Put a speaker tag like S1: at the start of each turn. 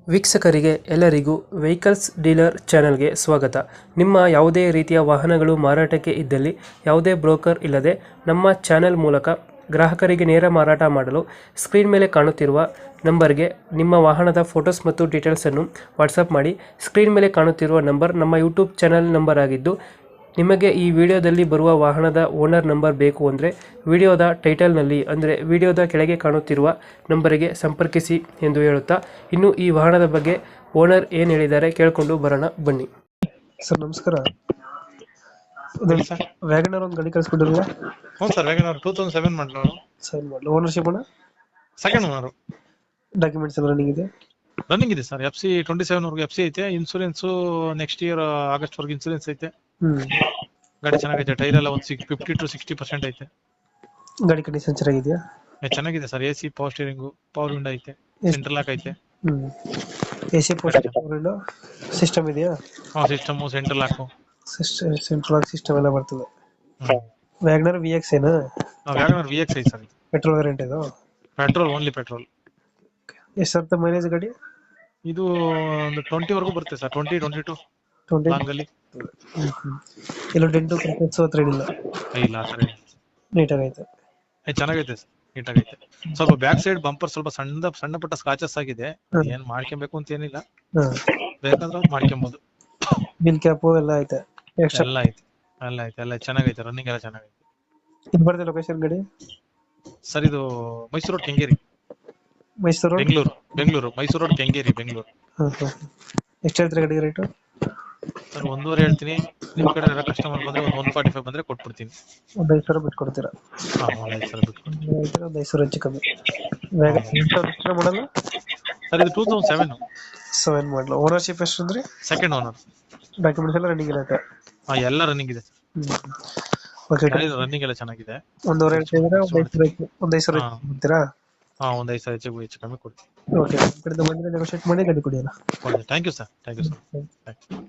S1: ವೀಕ್ಷಕರಿಗೆ ಎಲ್ಲರಿಗೂ vehicles dealer ಚಾನೆಲ್ಗೆ ಸ್ವಾಗತ. ನಿಮ್ಮ ಯಾವುದೇ ರೀತಿಯ ವಾಹನಗಳು ಮಾರಾಟಕ್ಕೆ ಇದ್ದಲ್ಲಿ ಯಾವುದೇ ಬ್ರೋಕರ್ ಇಲ್ಲದೆ ನಮ್ಮ ಚಾನೆಲ್ ಮೂಲಕ ಗ್ರಾಹಕರಿಗೆ ನೇರ ಮಾರಾಟ ಮಾಡಲು ಸ್ಕ್ರೀನ್ ಮೇಲೆ ಕಾಣುತ್ತಿರುವ ನಂಬರ್ಗೆ ನಿಮ್ಮ ವಾಹನದ ಫೋಟೋಸ್ ಮತ್ತು ಡೀಟೇಲ್ಸನ್ನು ವಾಟ್ಸಪ್ ಮಾಡಿ. ಸ್ಕ್ರೀನ್ ಮೇಲೆ ಕಾಣುತ್ತಿರುವ ನಂಬರ್ ನಮ್ಮ ಯೂಟ್ಯೂಬ್ ಚಾನೆಲ್ ನಂಬರ್ ಆಗಿದ್ದು, ನಿಮಗೆ ಈ ವಿಡಿಯೋದಲ್ಲಿ ಬರುವ ವಾಹನದ ಓನರ್ ನಂಬರ್ ಬೇಕು ಅಂದರೆ ವಿಡಿಯೋದ ಟೈಟಲ್ನಲ್ಲಿ ಅಂದರೆ ವಿಡಿಯೋದ ಕೆಳಗೆ ಕಾಣುತ್ತಿರುವ ನಂಬರಿಗೆ ಸಂಪರ್ಕಿಸಿ ಎಂದು ಹೇಳುತ್ತಾ, ಇನ್ನು ಈ ವಾಹನದ ಬಗ್ಗೆ ಓನರ್ ಏನು ಹೇಳಿದ್ದಾರೆ ಕೇಳಿಕೊಂಡು ಬರೋಣ ಬನ್ನಿ. ಸರ್ ನಮಸ್ಕಾರ.
S2: ಹೇಳಿ ಸರ್.
S1: ವ್ಯಾಗನರ್ ಒಂದು ಗಾಡಿ ಕಳಿಸ್ಕೊಟ್ಟಿರಲ್ಲ
S2: ಹ್ಞೂ ಸರ್, ವ್ಯಾಗನರ್ 2007 ಮಾಡಲು
S1: ಸರ್ ಮಾಡಲು ಓನರ್ಶಿಪ್ ಅಣ್ಣ
S2: ಸೆಕೆಂಡ್ ಓನರ್.
S1: ಡಾಕ್ಯುಮೆಂಟ್ಸ್ ಎಲ್ಲ ರನ್ನಿಂಗ್ ಇದೆ.
S2: ರನ್ನಿಂಗ್ ಇದೆ ಸರ್. FC 27 ವರೆಗೂ FC ಐತೆ. ಇನ್ಸೂರೆನ್ಸ್ ನೆಕ್ಸ್ಟ್ ಇಯರ್ ಆಗಸ್ಟ್ ವರೆಗೂ ಇನ್ಸೂರೆನ್ಸ್ ಐತೆ. ಗಾಡಿ ಚೆನ್ನಾಗೈತೆ. ಟೈರ್ ಎಲ್ಲ ಒಂದು 50 to 60% ಐತೆ.
S1: ಗಾಡಿ ಕಂಡೀಷನ್ ಚೆನ್ನಾಗಿದೆಯಾ?
S2: ಚೆನ್ನಾಗಿದೆ ಸರ್. AC power steering, power window ಐತೆ, ಸೆಂಟ್ರಲ್ ಲಾಕ್ ಐತೆ.
S1: AC ಪೋಸ್ಟ್ ಸಿಸ್ಟಮ್ ಇದೆಯಾ?
S2: System, central lock,
S1: central lock system ಎಲ್ಲ ಬರ್ತದೆ. ವ್ಯಾಗನರ್ VX ಏನಾ?
S2: ವ್ಯಾಗನರ್ VX ಐತೆ ಸರ್.
S1: ಪೆಟ್ರೋಲ್ ವೇರಿಯಂಟ್ ಇದು?
S2: Petrol, only petrol.
S1: ಎಷ್ಟು ಅಂತ ಮೈಲೇಜ್ ಗಾಡಿ?
S2: ಇದು ಒಂದು 20 ವರೆಗೂ ಬರುತ್ತೆ ಸರ್. 22
S1: 20
S2: ಲಾಂಗ್ ಅಲ್ಲಿ.
S1: ಎಲ್ಲ ಡೆಂಟು ಕ್ರ್ಯಾಚಸ್ ಹತ್ರ ಇಲ್ಲ?
S2: ಇಲ್ಲ ಆ ಥರ ಏನಿಲ್ಲ.
S1: ನೀಟಾಗೈತೆ.
S2: ಚೆನ್ನಾಗೈತೆ ಸರ್, ನೀಟಾಗೈತೆ. ಸ್ವಲ್ಪ ಬ್ಯಾಕ್ ಸೈಡ್ ಬಂಪರ್ ಸ್ವಲ್ಪ ಸಣ್ಣ ಪುಟ್ಟ ಸ್ಕಾಚಸ್ ಆಗಿದೆ. ಏನ್ ಮಾಡ್ಕೊಬೇಕು ಅಂತ ಏನಿಲ್ಲ, ಬೇಕಾದ್ರೆ ಮಾಡ್ಕೊಬಹುದು.
S1: ಬಿಲ್ ಕ್ಯಾಪು ಎಲ್ಲ ಐತೆ?
S2: ಎಲ್ಲ ಐತೆ, ಎಲ್ಲ ಚೆನ್ನಾಗೈತೆ. ರನ್ನಿಂಗ್ ಎಲ್ಲ ಚೆನ್ನಾಗೈತೆ.
S1: ಇದು ಬರ್ತದೆ ಲೊಕೇಶನ್ ಗಾಡಿ?
S2: ಸರ್ ಇದು ಮೈಸೂರು ರೋಡ್ ಕೆಂಗೇರಿ,
S1: ಮೈಸೂರು
S2: ಬೆಂಗಳೂರು. ಮೈಸೂರು ರೋಡ್ ಕೆಂಗೇರಿ, ಬೆಂಗಳೂರು.
S1: ಎಷ್ಟು ಹೇಳ್ತೀರಾ ಗಾಡಿ ರೇಟು?
S2: ಸರ್ 1.5 ಹೇಳ್ತೀನಿ. ನಿಮ್ ಕಡೆ ಕಸ್ಟಮರ್ ಬಂದ್ರೆ ಒಂದು 145 ಬಂದ್ರೆ ಕೊಟ್ಬಿಡ್ತೀನಿ.
S1: ಒಂದು 5,000 ಬಿಟ್ಟು ಕೊಡ್ತೀರಾ?
S2: ಹಾ, 5,000 ಬಿಟ್ಕೊಡ್ತೀನಿ.
S1: ಒಂದು 5,000 ಹೆಚ್ಚು ಕಮ್ಮಿ. ಮಾಡಲ್ಲ
S2: ಸರ್ ಇದು 2007
S1: 7 ಮಾಡಲು. ಓನರ್ಶಿಪ್ ಎಷ್ಟು ಅಂದ್ರೆ?
S2: Second owner.
S1: ಡಾಕ್ಯುಮೆಂಟ್ಸ್ ಎಲ್ಲ ರನ್ನಿಂಗ್ ಇರುತ್ತೆ?
S2: ಎಲ್ಲ ರನ್ನಿಂಗ್ ಇದೆ. ರನ್ನಿಂಗ್ ಎಲ್ಲ ಚೆನ್ನಾಗಿದೆ.
S1: 1.5 ಹೇಳ್ತಿದ್ರೆ ಒಂದು 5,000 ಕೊಡ್ತೀರಾ?
S2: ಒಂದು 5,000 ಹೆಚ್ಚು ಕಮ್ಮಿ ಕೊಡ್ತೀನಿ.
S1: ಓಕೆ, ಕಡೆಯಿಂದ ಬಂದರೆ ನೆಗೋಷಿಯೇಟ್ ಮಾಡಿ ಗಾಡಿ ಕೊಡಿ ಅಲ್ಲ.
S2: Thank you sir.